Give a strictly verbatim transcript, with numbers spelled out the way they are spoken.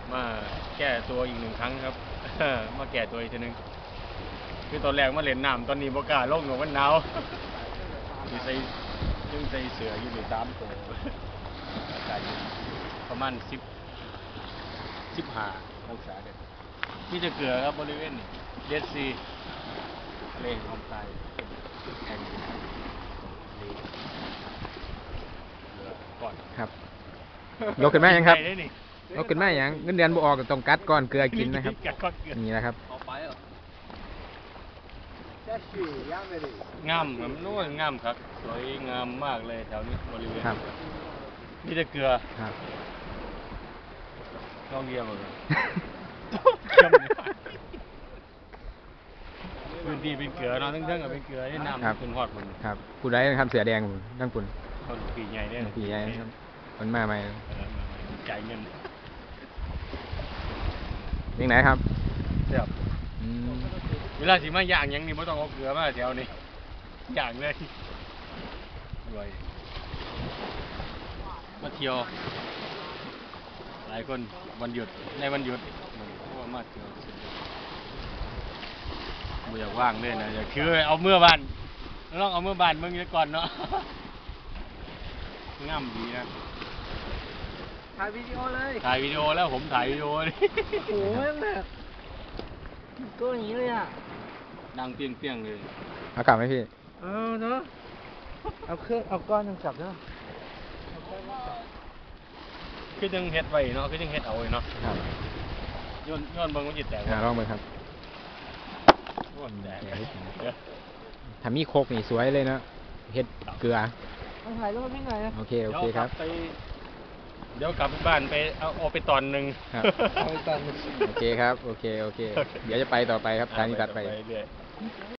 มาแก้ตัวอีกหนึ่งครั้งครับ มาแก้ตัวอีกทีนึงคือตอนแรกมาเล่นน้ำตอนนี้บกล้าลงหนูมันหนาวยังใส่ยังใส่เสืออยู่ในสามตัวอากาศประมาณสิบสิบห้าองศาเด็ดมีจะเกลือครับบริเวณนี้เดดซีทะเลออมใต้แห่งนี้เกลือก่อนครับยกขึ้นมายังครับยกขึ้นมายังเงินเดือนบ่ออกต้องกัดก่อนเกลือกินนะครับนี่นะครับงามมันนู้นงามครับสวยงามมากเลยแถวนี้บริเวณนี่จะเกลือลองเรียมเลยพื้นที่เป็นเกลือเนาะทั้งๆกับเป็นเกลือที่น้ำคุณฮอดคุณครับผู้ใดทำเสือแดงทั้งคุณคนปีใหญ่เนี่ยปีใหญ่ครับมันมาใหม่จ่ายเงินยังไหนครับเดี๋ยวเวลาสิมาย่างยังนี่ไม่ต้องเอาเกลือมาแถวนี้ย่างเลยรวยมาเที่ยวหลายคนวันหยุดในวันหยุดเพราะว่ามาเที่ยวไม่อยากว่างเลยนะอยากคือเอาเมื่อบ้านลองเอาเมื่อบ้านเมื่อกี้ก่อนเนาะง่ำดีนะถ่ายวิดีโอเลยถ่ายวิดีโอแล้วผมถ่ายวิดีโอเลยโอ้โหแบบก็อย่างนี้เลยอ่ะดังเปี้ยงเปี้ยงเลยเอากลับไหมพี่เออเนาะเอาเครื่องเอาก้อนยังกลับเนาะคือยังเฮ็ดไว้เนาะคือยังเฮ็ดเอาไว้เนาะย้อนย้อนเบิ่งมันจิตแตกลองเบิ่งครับถ้ามีโคกนี่สวยเลยนะเฮ็ดเกลือเอาถ่ายรูปพี่หน่อยนะโอเคโอเคครับเดี๋ยวกลับบ้านไปเอาเอาไปตอนหนึ่งโอเคครับโอเคโอเคเดี๋ยวจะไปต่อไปครับทางนี้ตัดไป